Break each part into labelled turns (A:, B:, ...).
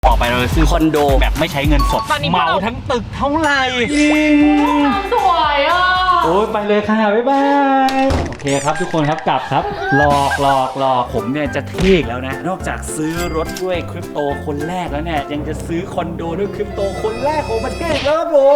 A: ต่อไปเราจะซื้อคอนโดแบบไม่ใช้เงินสดเหมาทั้งตึกเท่าไหร่
B: สวยอ่ะ
A: โอ้ยไปเลยค่ะบ๊ายบายโอเคครับทุกคนครับกลับครับหลอกผมเนี่ยจะเท่แล้วนะนอกจากซื้อรถด้วยคริปโตคนแรกแล้วเนี่ยยังจะซื้อคอนโดด้วยคริปโตคนแรกของประเทศแล้วครับผม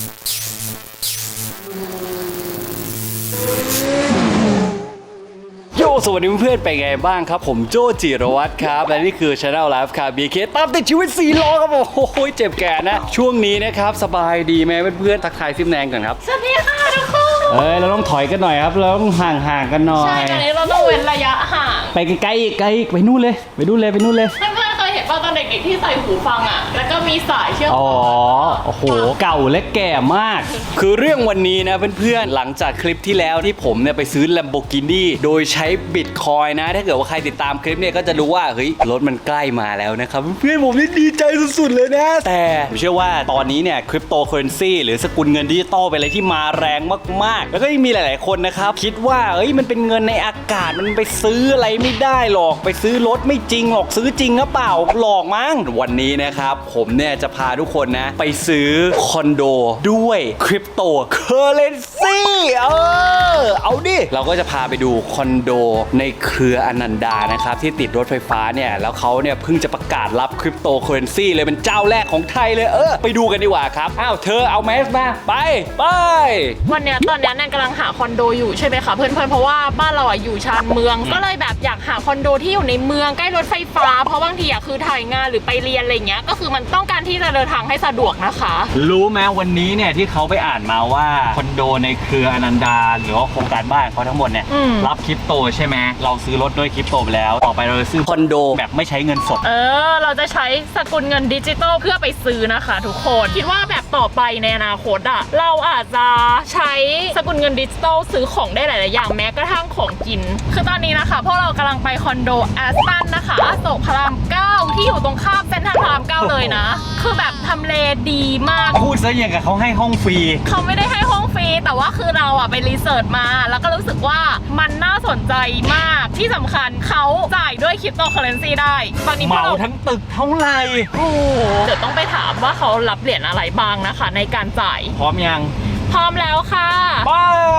A: โยสวัสดีเพื่อนๆเป็นไงบ้างครับผมโจจิรวัตรครับและนี่คือ Channel Life Car BK ตามติดชีวิต4ล้อครับผมโอ้ยเจ็บแก่นะช่วงนี้นะครับสบายดีไหมเพื่อนๆทักทายซิมแนงก่อนครับ
B: สวัสดีค่ะทุกคน
A: เราต้องถอยกันหน่อยครับเราต้องห่างกันหน่อย
B: ใช่ตอนนี้เราต้องเว้นระยะห่าง
A: ไปไกลๆอีกไปนู่นเลยเพื่อนๆ
B: เคยเห็นป่ะตอนเด็กๆที่ใส่หูฟังอ่ะแล้วก็มีสายเชื่อม
A: โอ้โหเก่าและแก่มากคือเรื่องวันนี้นะเพื่อนๆหลังจากคลิปที่แล้วที่ผมเนี่ยไปซื้อ Lamborghini โดยใช้บิตคอยน์นะถ้าเกิดว่าใครติดตามคลิปเนี่ยก็จะรู้ว่าเฮ้ยรถมันใกล้มาแล้วนะครับเพื่อนๆผมนี่ดีใจสุดๆเลยนะแต่ผมเชื่อว่าตอนนี้เนี่ยคริปโตเคอเรนซีหรือสกุลเงินดิจิตอลเป็นอะไรที่มาแรงมากๆแล้วก็ยังมีหลายๆคนนะครับคิดว่าเฮ้ยมันเป็นเงินในอากาศมันไปซื้ออะไรไม่ได้หรอกไปซื้อรถไม่จริงหรอกซื้อจริงหรือเปล่าหลอกมั้งวันนี้นะครับผมเนี่ยจะพาทุกคนนะไปซื้อคอนโดด้วยคริปโตเคอเรนซีเอาดิเราก็จะพาไปดูคอนโดในเครืออนันดานะครับที่ติดรถไฟฟ้าเนี่ยแล้วเขาเนี่ยเพิ่งจะประกาศรับคริปโตเคอเรนซีเลยเป็นเจ้าแรกของไทยเลยไปดูกันดีกว่าครับอ้าวเธอเอาแมสมาไป
B: วันเนี้ยตอนนี้แนนกำลังหาคอนโดอยู่ใช่ไหมคะเพื่อนๆเพราะว่าบ้านเราอ่ะอยู่ชานเมืองก็เลยแบบอยากหาคอนโดที่อยู่ในเมืองใกล้รถไฟฟ้าเพราะบางทีอ่ะคือถ่ายงานหรือไปเรียนอะไรเงี้ยก็คือมันต้องการที่จะเดินทางให้สะดวกนะคะ
A: รู้ไหมวันนี้เนี่ยที่เขาไปอ่านมาว่าคอนโดในเครืออนันดาหรือว่าโครงการบ้านเขาทั้งหมดเนี่ยรับคริปโตใช่ไหมเราซื้อรถด้วยคริปโตไปแล้วต่อไปเราจะซื้อคอนโดแบบไม่ใช้เงินสด
B: เราจะใช้สกุลเงินดิจิตอลเพื่อไปซื้อนะคะทุกคนคิดว่าแบบต่อไปในอนาคตอ่ะเราอาจจะใช้สกุลเงินดิจิตอลซื้อของได้หลายๆอย่างแม้กระทั่งของกินคือตอนนี้นะคะพวกเรากำลังไปคอนโดแอสตันนะคะอโศกพระราม 9ที่อยู่ตรงข้ามเซ็นทรัลพระราม 9เลยนะคือแบบทำเลดีมาก
A: พูดซะอย่างกับเขาให้ห้องฟรี
B: เขาไม่ได้ให้ห้องฟรีแต่ว่าคือเราอ่ะไปรีเสิร์ชมาแล้วก็รู้สึกว่ามันน่าสนใจมากที่สำคัญเขาจ่ายด้วยคริปโตเคอเรนซีได้ตอนนี้
A: เหมาทั้งตึกเท่าไหร่
B: เดี๋ยวต้องไปถามว่าเขารับเหรียญอะไรบ้างนะคะในการจ่าย
A: พร้อมยัง
B: พร้อมแล้วค่ะ
A: ไป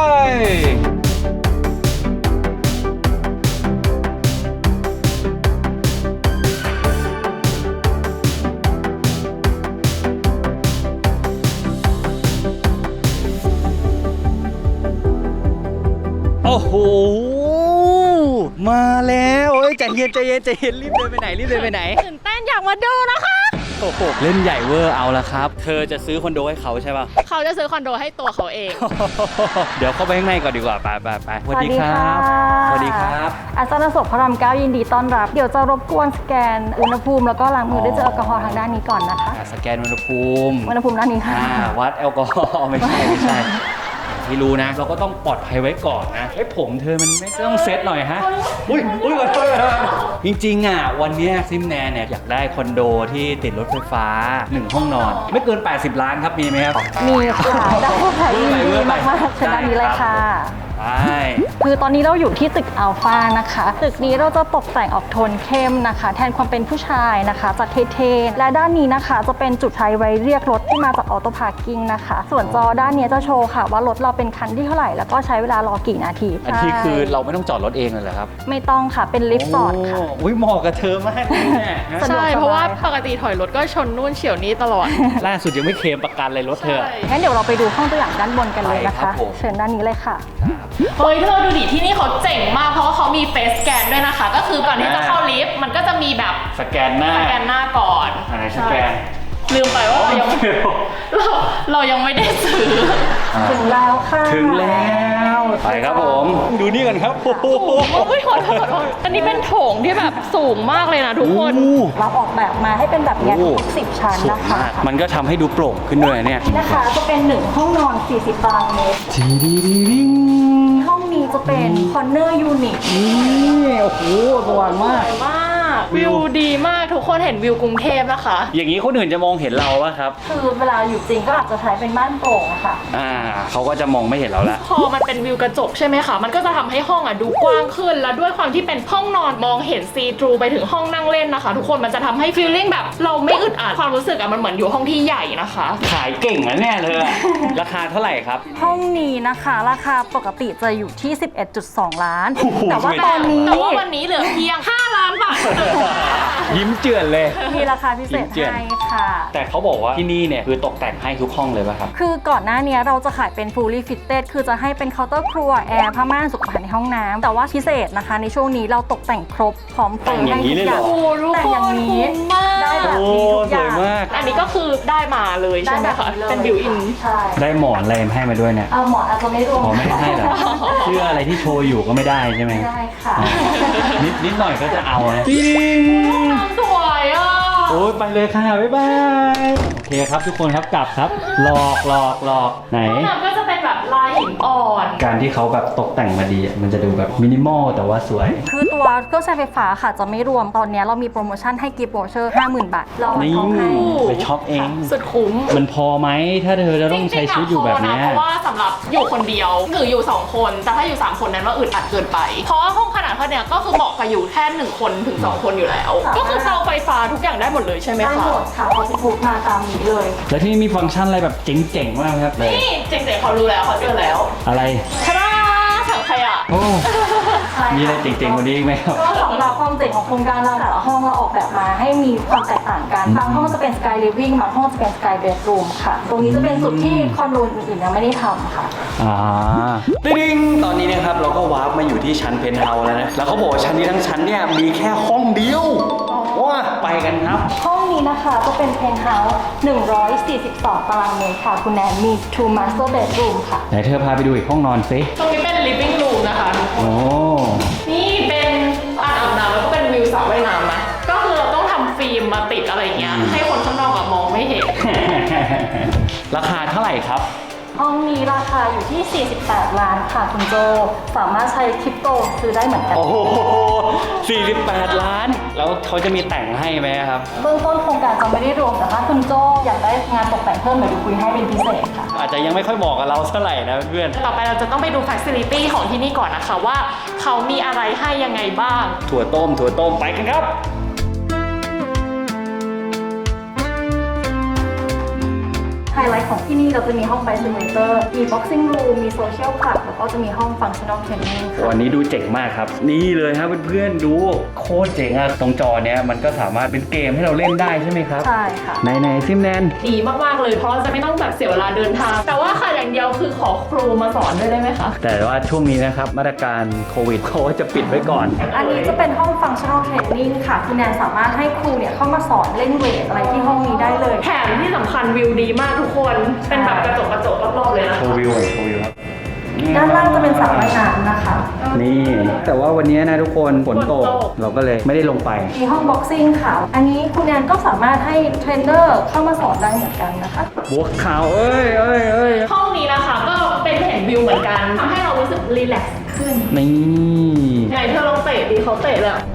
A: โอ้โหมาแล้วใจเย็นรีบเดินไปไหน
B: ตื่นเต้นอยากมาดูนะคะ
A: โอ้โหเล่นใหญ่เวอร์เอาละครับเธอจะซื้อคอนโดให้เขาใช่ป่ะ
B: เขาจะซื้อคอนโดให้ตัวเขาเอง
A: เดี๋ยวเข้าไปข้างในก่อนดีกว่าไปสวัสดีครับ
C: อาจารย์โศกพระราม 9ยินดีต้อนรับเดี๋ยวจะรบกวนสแกนอุณหภูมิแล้วก็ล้างมือด้วยเจลแอลกอฮอล์ทางด้านนี้ก่อนนะคะ
A: สแกนอุณหภูมิ
C: ด้านนี้ค่ะ
A: วัดแอลกอฮอล์ไม่ใช่ที่รู้นะเราก็ต้องปลอดภัยไว้ก่อนนะผมเธอมันไม่ต้องเซตหน่อยฮะอุ้ยจริงๆวันนี้ซิมแนนเนี่ยอยากได้คอนโดที่ติดรถไฟฟ้า1ห้องนอนไม่เกิน80 ล้านครับมีไหมครับ
C: มีค่ะได้ค่ะยินดีมากๆเชิญด้านนี้เลยค่ะคือตอนนี้เราอยู่ที่ตึกอัลฟานะคะตึกนี้เราจะตกแต่งออกโทนเข้มนะคะแทนความเป็นผู้ชายนะคะจากเท่ๆและด้านนี้นะคะจะเป็นจุดใช้ไว้เรียกรถที่มาจากออโต้พาร์กิ้งนะคะส่วนจอด้านนี้จะโชว์ค่ะว่ารถเราเป็นคันที่เท่าไหร่แล้วก็ใช้เวลารอกี่นาที
A: อันที่คือเราไม่ต้องจอดรถเองเลยเหรอครับ
C: ไม่ต้องค่ะเป็นลิฟต์จอดค่ะ
A: อุ้ยเหมาะกับเธอมากเลยเนี่ย
B: ใช่เพราะว่าปกติถอยรถก็ชนนู่นเฉี่ยวนี้ตลอด
A: ล่าสุดยังไม่เคลมประกันเลยรถเธอ
C: งั้นเดี๋ยวเราไปดูห้องตัวอย่างด้านบนกันเลยนะคะเชิญด้านนี้เลยค่ะ
B: เฮ้ยเธอดูดิที่นี่เขาเจ๋งมากเพราะว่าเขามีเฟซสแกนด้วยนะคะก็คือก่อนที่จะเข้าลิฟต์มันก็จะมีแบบ
A: สแกนหน้า
B: ก่อน
A: อะไรสแกน
B: ลืมไปว่าเรายังไม่ได้ซื้อ
C: ถึงแล้วค่ะ
A: ถึงแล้วไปครับผมดูนี่กันครับโอ้โห
B: ขอโทษอันนี้เป็นโถงที่แบบสูงมากเลยนะทุกคน
C: เราออกแบบมาให้เป็นแบบนี้10 ชั้นนะคะ
A: มันก็ทำให้ดูโปร่งขึ้นด้วยเนี่ย
C: นะคะจะเป็น1ห้องนอน40 ตารางเมตรห้องนี้จะเป็นคอร์เนอร์ยูนิต
A: นี่โอ้โหสว่างมาก
B: วิวดีมากทุกคนเห็นวิวกรุงเทพนะคะ
A: อย่างนี้คนอื่นจะมองเห็นเราป่ะครับ
C: คือเวลาอยู่จริงก็อาจจะใช้เป็นม่านโปร่งอะค่ะ
A: เขาก็จะมองไม่เห็นเราละ
B: พอมันเป็นวิวกระจกใช่ไหมคะมันก็จะทำให้ห้องดูกว้างขึ้นแล้วด้วยความที่เป็นห้องนอนมองเห็นซีทรูไปถึงห้องนั่งเล่นนะคะ ทุกคนมันจะทำให้ฟีลลิ่งแบบเราไม่อึดอัดความรู้สึกมันเหมือนอยู่ห้องที่ใหญ่นะคะ
A: ขายเก่งนะเนี่ยเธอ ราคาเท่าไหร่ครับ
C: ห้องนี้นะคะราคาปกติจะอยู่ที่ 11.2 ล้าน
A: โอ้โห
C: แต่ว่าตอนนี้
B: แต่ว่าวันนี้เหลือเพียง 5 ล้านบาทเท่านั้นค่ะ
A: ยิ้มเจือนเลย
C: มีราคาพิเศษให้ค่ะ
A: แต่เขาบอกว่าที่นี่เนี่ยคือตกแต่งให้ทุกห้องเลยป่ะครับ
C: คือก่อนหน้านี้เราจะขายเป็น fully fitted คือจะให้เป็นเคาน์เตอร์ครัวแอร์ผ้าม่านสุขภัณฑ์ในห้องน้ำแต่ว่าพิเศษนะคะในช่วงนี้เราตกแต่งครบพร้อมเปิด
A: แต่งอย่างนี้เลยเหรอ
B: โอ้ทุก
C: แต่
B: ค
C: อย่าง
B: น
C: นี้
B: คุ้มมาก
C: ได้แบบ
A: โอ้
C: นี้ทุกอ
A: สว
C: ย่าย ง
A: มาก
B: อันนี้ก็คือได้มาเลยใช่ไหมคะเป็นบิวอิน
C: ใช่
A: ได้หมอนอะไรให้มาด้วยเนี่ย
C: เอาหมอนอาจจะไม่รวม
A: อ๋อไม่ให้เหรอเสื้ออะไรที่โชว์อยู่ก็ไม่ได้ใช่ไหม
C: ไม่ได้ค่ะ
A: นิดหน่อยก็จะเอานะจริง
B: สวยอ่ะ
A: โอ้ยไปเลยค่ะ บ๊ายบาย โอเคครับทุกคนครับกลับครับ หลอกไหน
B: ห้องน้ำก็จะเป็นแบบลายหินอ่อน
A: การที่เขาแบบตกแต่งมาดีอะมันจะดูแบบมินิมอลแต่ว่าสวย
C: คือตัวเครื่องใช้ไฟฟ้าค่ะจะไม่รวมตอนนี้เรามีโปรโมชั่นให้กิฟต์วอเชอร์ 50,000 บาทเรา
A: นี่
C: เอาให้
A: ไปช็อปเอง
B: สุดคุ้ม
A: มันพอไหมถ้าเธอจะต้องใช้ชีวิตอยู่แบบเนี้ย
B: เพราะว่าสำหรับอยู่คนเดียวหรืออยู่ 2 คนแต่ถ้าอยู่ 3 คนนั้นว่าอึดอัดเกินไป เพราะว่าห้องขนาดเท่าเนี้ยก็คือเหมาะกับอยู่แค่1 คนถึง 2 คนอยู่แล้ว ก็คือเตาไฟฟ้าทุกอย่างได้หมดเลยใช่ไหม
C: ได้
B: คะ
C: หมดค่ะพอจะพูดมาตามนี้เลย
A: แล้วที่นี่มีฟังก์ชันอะไรแบบเจ๋งๆมากครับเลย
B: นี่เจ๋งๆเขารู้แล้วเขาเจอแล้ว
A: อะไร
B: ทาดาถังขยะ
A: โอ้ มีอะไรเจ๋งๆกว่านี้อีกไหมครับ
C: ก็สำหรับความเจ๋งของโครงการเราแต่ละห้องเราออกแบบมาให้มีความแตกต่างกันบางห้องจะเป็น Sky Living บางห้องจะเป็น Sky Bedroom ค่ะ ตรงนี้จะเป็นจุดที่คอนโดอื่นๆยังไม่ได้ทำค่ะ
A: ติ๊งตอนนี้นะครับเราก็วาร์ปมาอยู่ที่ชั้นเพนท์เฮาส์แล้วนะ แล้วเขาบอกว่าชั้นนี้ทั้งชั้นเนี่ยมีแค่ห้องเดียวว้าไปกันครับ
C: ห้องนี้นะคะก็เป็นเพนท์เฮาส์142 ตารางเมตรค่ะ คุณแนนมี two master bedroom ค่ะ
A: ไหนเธอพาไปดูอีกห้องนอนซิ
B: ตรงนี้เป็น living room นะคะทุกคน
A: โอ้
B: นี่เป็นอ่างอาบน้ำแล้วก็เป็นวิวสระว่ายน้ำนะ ก็คือเราต้องทำฟิล์มมาติดอะไรอย่างเงี้ย ให้คนข้างนอกมองไม่เห็น
A: ราคาเท่าไหร่ครับ
C: ห้องนี้ราคาอยู่ที่ 48 ล้านค่ะคุณโจ สามารถใช้คริปโตซื้อได้เหมือนกัน
A: โอ้โห48 ล้าน แล้วเขาจะมีแต่งให้ไหมครับ
C: เบื้องต้นโครงการจะไม่ได้รวมแต่ถ้าคุณโจอยากได้งานตกแต่งเพิ่มเดี๋ยวดูคุยให้เป็นพิเศษค่ะ
A: อาจจะยังไม่ค่อยเหมาะกับเราเท่าไหร่นะเพื่อน
B: ต่อไปเราจะต้องไปดู facility ของที่นี่ก่อนนะคะว่าเขามีอะไรให้ยังไงบ้าง
A: ถั่วต้มไปกันครับ
C: ไฮไลท์ของที่นี่เราจะมีห้องไบซิมูเลเตอร์มี boxing room มี social club แล้วก็จะมีห้อง functional training ค่ะ
A: วันนี้ดูเจ๋งมากครับ นี่เลยครับเพื่อนๆดูโคตรเจ๋งอะตรงจอเนี้ยมันก็สามารถเป็นเกมให้เราเล่นได้ใช่ไหมครับ
C: ใช่ค่ะ
A: ไหนซิมแนน
B: ดีมากๆเลยเพราะเราจะไม่ต้องแบบเสียเวลาเดินทาง แต่ว่าค่ะอย่างเดียวคือขอครูมาสอนด้วยได้ไหมคะ
A: แต่ว่าช่วงนี้นะครับมาตรการโควิดเขาก็จะปิดไว้ก่อน
C: อันนี้จะเป็นห้อง functional training ค่ะคุณแนนสามารถให้ครูเนี่ยเข้ามาสอนเล่นเวทอะไรที่ห้องนี้ได้เลย
B: แถมที่สำคัญวิวดีมากทุกคน เป็นแบบกระจกรอบๆเลยนะ
A: โชว์วิวครับ
C: ด้านล่างจะเป็นสระว่ายน้ำนะคะ
A: นี่ แต่ว่าวันนี้นะทุกคนฝนตก
B: ฝนตก
A: เราก็เลยไม่ได้ลงไป
C: มีห้อง boxing ค่ะ อันนี้คุณแนนก็สามารถให้เทรนเนอร์เข้ามาสอนได้เหมือนกันนะคะ
A: บวกข่าวเอ้ย
B: ห้องนี้นะคะก็เป็นเห็นวิวเหมือนกันทำให้เรารู้สึกรีแลกซ์ขึ้น
A: นี่
B: ไหนเธอลองเตะดีเขาเตะเลยอะ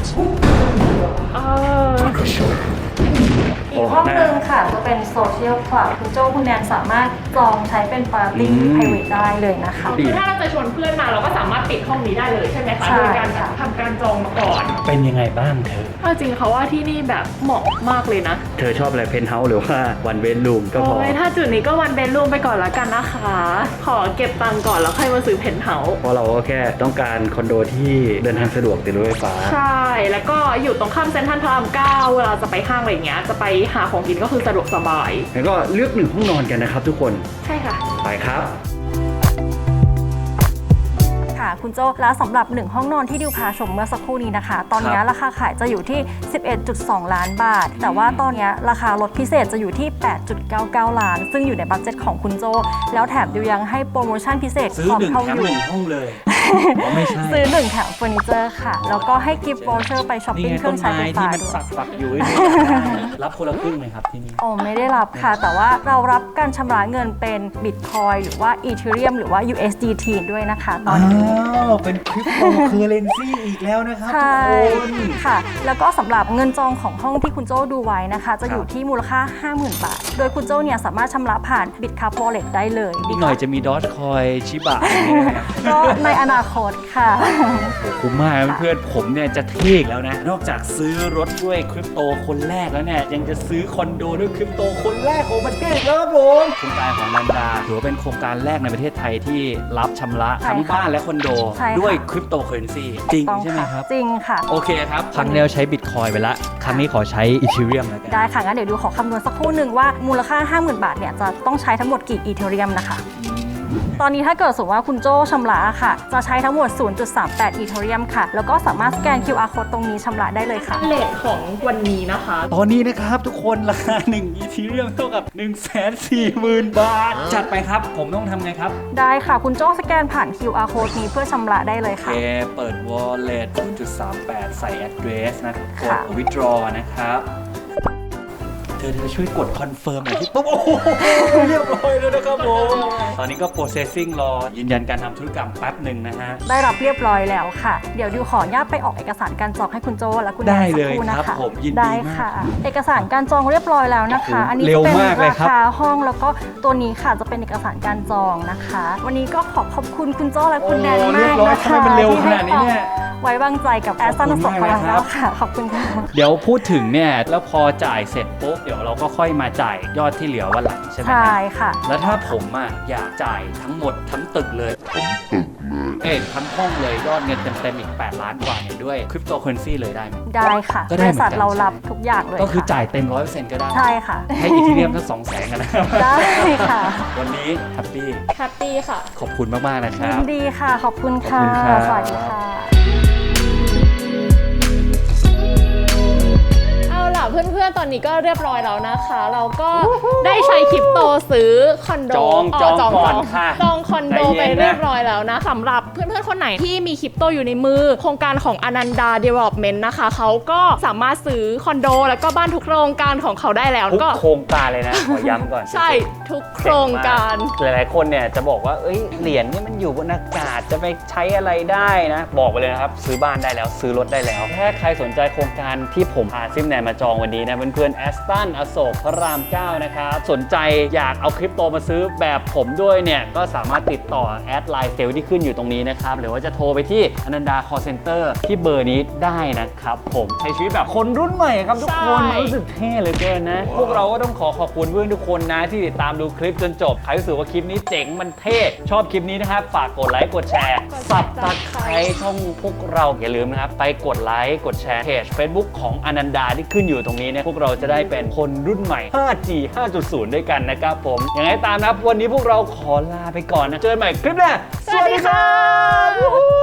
C: อีกห้องหนึ่งค่ะจะเป็น social club คุณโจ้คุณแนนสามารถจองใช้เป็นปาร์ตี้ private ได้เลยนะคะ
B: คือถ้าเราจะชวนเพื่อนมาเราก็สามารถปิดห้องนี้ได้เลยใช่ไหมคะ
C: ใช่
B: โดยการ
C: ค่ะ
B: ทำการจองมาก่อน
A: เป็นยังไงบ้างเธอ
B: เอาจริงเขาว่าที่นี่แบบเหมาะมากเลยนะ
A: เธอชอบอะไรเพนท์เฮาส์หรือว่าวันเวนรูมก็พอ
B: โอ้ยถ้าจุดนี้ก็วันเบนรูมไปก่อนละกันนะคะ ขอเก็บตังค์ก่อนแล้วค่อยมาซื้อเพนท์เฮาส์
A: เพราะเราก็แค่ต้องการคอนโดที่เดินทางสะดวกติดรถไฟฟ้า
B: ใช่ แล้วก็อยู่ตรงข้ามเซ็นทรัลพระราม9เวลาจะไปห้างอะไรอย่างเงี้ยจะไปหาของกินก็คือสะดวกสบาย
A: แล้วก็เลือกหนึ่งห้องนอนกันนะครับทุกคน
B: ใช่ค่ะ
A: ไปครับ
C: ค่ะคุณโจ้แล้วสำหรับ 1 ห้องนอนที่ดิวพาชมเมื่อสักครู่นี้นะคะ ตอนนี้ราคาขายจะอยู่ที่ 11.2 ล้านบาท แต่ว่าตอนนี้ราคาลดพิเศษจะอยู่ที่ 8.99 ล้าน ซึ่งอยู่ในบัดเจ็ตของคุณโจ้แล้วแถมดิวยังให้โปรโมชั่นพิเศษ
A: ซื้อ
C: พร้อม
A: หนึ่ง
C: เข้า
A: แถม
C: อยู่
A: หนึ่งห้องเลยไม่ใช่
C: ซื้อ1แถมเฟอร์นิเจอร์ค่ะ แล้วก็ให้กิฟต์วอเชอร์ไปช้อปปิ้งเครื่องใช้ไฟฟ้า
A: ที่มัน
C: ด้วย
A: ปักอยู่รับคนละครึ่งไหมครับที่นี่
C: โอ้ไม่ได้รับค่ะ แต่ว่าเรารับการชำระเงินเป็นบิตคอยหรือว่าอีเธเรียมหรือว่า USDT ด้วยนะคะตอนนี้
A: เป็นคริปโตเคอเรนซีอีกแล้วนะครับทุ
C: ใช่
A: กคน
C: ค่ะ แล้วก็สำหรับเงินจองของห้องที่คุณโจ้ดูไว้นะคะ จะอยู่ที่มูลค่า 50,000 บาท โดยคุณโจ้เนี่ยสามารถชำระผ่าน Bitcup Wallet ได้เลย
A: อีกหน่อยจะมีดอ g คอยชิบะอย่างนี้นะครับ
C: ก็ในอนาคตค่ะ
A: คุ้มมากเพื่อนๆผมเนี่ยจะเท่อีกแล้วนะ นอกจากซื้อรถด้วยคริปโตคนแรกแล้วเนี่ยยังจะซื้อคอนโดด้วยคริปโตคนแรกของประเทศแล้วครับผมโครงการของนันดาถือว่าเป็นโครงการแรกในประเทศไทยที่รับชำระ
C: ใช่
A: ทั้ง
C: ค่ะ
A: บ้านและคอนโด
C: ใช่ค่ะ
A: ด้วยคริปโตเคอเรนซีจริง
C: ต้อง
A: ใช่ไหม
C: ค่ะ
A: ครับ
C: จริงค่ะ
A: โอเคครับครั้งนี้เราใช้บิตคอยไปละครั้งนี้ขอใช้อีเธเรียมแล้วกัน
C: ได้ค่ะ งั้นเดี๋ยวดูขอคำนวณสักครู่หนึ่งว่ามูลค่า 50,000 บาทเนี่ยจะต้องใช้ทั้งหมดกี่อีเธเรียมนะคะ ตอนนี้ถ้าเกิดสมมติว่าคุณโจ้ชำระค่ะ จะใช้ทั้งหมด 0.38 อีเธเรียมค่ะ แล้วก็สามารถสแกน QR code ตรงนี้ชำระได้เลยค่ะ
B: เลทของวันนี้นะคะ
A: ตอนนี้นะครับทุกคนราคา1อีเธเรียมเท่ากับ 140,000 บาท จัดไปครับผมต้องทำไงครับ
C: ได้ค่ะ คุณโจ้สแกนผ่าน QR code นี้เพื่อชำระได้เลย
A: โอเค
C: ค่ะ
A: เปิด wallet 0.38 ใส่ address นะกด
C: ค่ะ
A: withdraw นะครับ เธอจะช่วยกด confirm หน่อยที่ปุ๊บโอ้โหเรียบร้อยแล้วนะครับผม ตอนนี้ก็ processing รอยืนยันการทำธุรกรรมแป๊บหนึ่งนะฮะ
C: ได้รับเรียบร้อยแล้วค่ะ เดี๋ยวดิวขออนุญาตไปออกเอกสารการจองให้คุณโจ้และคุณแนน
A: ได้
C: สัก
A: เลย
C: ครู่นะ
A: ครั
C: คะ
A: บผมยินดี
C: ได้
A: มาก
C: ค่ะ เอกสารการจองเรียบร้อยแล้วนะคะ
A: โอ้โห
C: อันนี้
A: เร็
C: จะ
A: ว
C: เป็น
A: มากเลย
C: รา
A: ครับ
C: คาห้องแล้วก็ตัวนี้ค่ะจะเป็นเอกสารการจองนะคะ วันนี้ก็ขอบคุณคุณโจ้และคุณแนน
A: โอ้
C: มาก
A: เรียบร้อย
C: นะคะ
A: ทำไมมันเร็ว
C: ที่
A: ขนาดนี้เนี่ย
C: ไว้วางใจกับแอสตันสดของ
A: ขอบคุณมากเลยครั
C: เรา
A: บ
C: ค่ะ ขอบคุณค่ะ
A: เดี๋ยวพูดถึงเนี่ย แล้วพอจ่ายเสร็จปุ๊บ เดี๋ยวเราก็ค่อยมาจ่ายยอดที่เหลือวันหลังใช่ไหมค
C: ใช่
A: รับ
C: ค่ะ
A: แล้วถ้าผมอ่ะอยากจ่ายทั้งหมดทั้งตึกเลยทั้งห้องเลยยอดเงินเต็มๆอีก8 ล้านกว่าเนี่ยด้วยคริปโตเคอเรนซีเลยได้ไหม
C: ได้ค่ะ
A: ก็
C: บ
A: ได้
C: ริ
A: เหมือนกัน
C: ษัทเรารับทุกอย่างเลย
A: ก็คือ
C: ค่ะ
A: จ่ายเต็ม 100% ก็ได้
C: ใช่ค่ะ
A: ให้อีเธเรียมทั้ง200,000กันนะครับ
C: ได้ค่ะ
A: วันนี้แฮปปี้
B: แฮปปี้ค่ะ
A: ขอบคุณมาก ๆ นะค
C: ยิ
A: รับ
C: นดีค่ะ ขอบคุณค่ะ
A: ขอบคุณครับ
C: สวัสดีค่ะ
B: เอาล่ะเพื่อนๆ ตอนนี้ก็เรียบร้อยแล้วนะคะ เราก็ได้ใช้คริปโตซื้อคอนโด
A: จองก่อนค่ะ
B: จองคอนโด
A: ใจ
B: ไป
A: เย็นนะ
B: เรียบร้อยแล้วนะสำหรับเพื่อนๆ คนไหนที่มีคริปโตอยู่ในมือ โครงการของอนันดา Development นะคะเขาก็สามารถซื้อคอนโด แล้วก็บ้านทุกโครงการของเขาได้แล้ว
A: ทุก
B: ก็
A: โครงการเลยนะ ขอย้ำก่อน
B: ใช่ทุกโครงการ
A: หลายๆคนเนี่ยจะบอกว่าเอ้ยเหรียญนี่มันอยู่บนอากาศจะไปใช้อะไรได้นะ บอกไปเลยนะครับ ซื้อบ้านได้แล้วซื้อรถได้แล้วถ้าใครสนใจโครงการที่ผมพาซิมแนนมาจองวันนี้นะเพื่อนๆแอสตันอโศกพระราม 9 นะครับสนใจอยากเอาคริปโตมาซื้อแบบผมด้วยเนี่ยก็สามารถติดต่อแอดไลน์เซลที่ขึ้นอยู่ตรงนี้นะครับหรือว่าจะโทรไปที่อนันดา call center ที่เบอร์นี้ได้นะครับผมใช้ชีวิตแบบคนรุ่นใหม่ครับทุกคน
B: ใช่
A: รู้สึกเท่เหลือเกินนะ พวกเราก็ต้องขอบคุณเพื่อนทุกคนนะที่ติดตามดูคลิปจนจบใครรู้สึกว่าคลิปนี้เจ๋งมันเท่ชอบคลิปนี้นะครับฝากกดไลค์กดแชร์สับตะไคร้ช่องพวกเราอย่าลืมนะครับไปกดไลค์กดแชร์เพจ Facebook ของอนันดาที่ขึ้นอยู่ตรงนี้เนี่ยพวกเราจะได้เป็นคนรุ่นใหม่ 5G 5.0 ด้วยกันนะครับผมยังไงตามนะครับวันนี้พวกเราขอลาไปก่อนนะเจอกันใหม่คลิปหน้า
B: สวัสดีค่ะ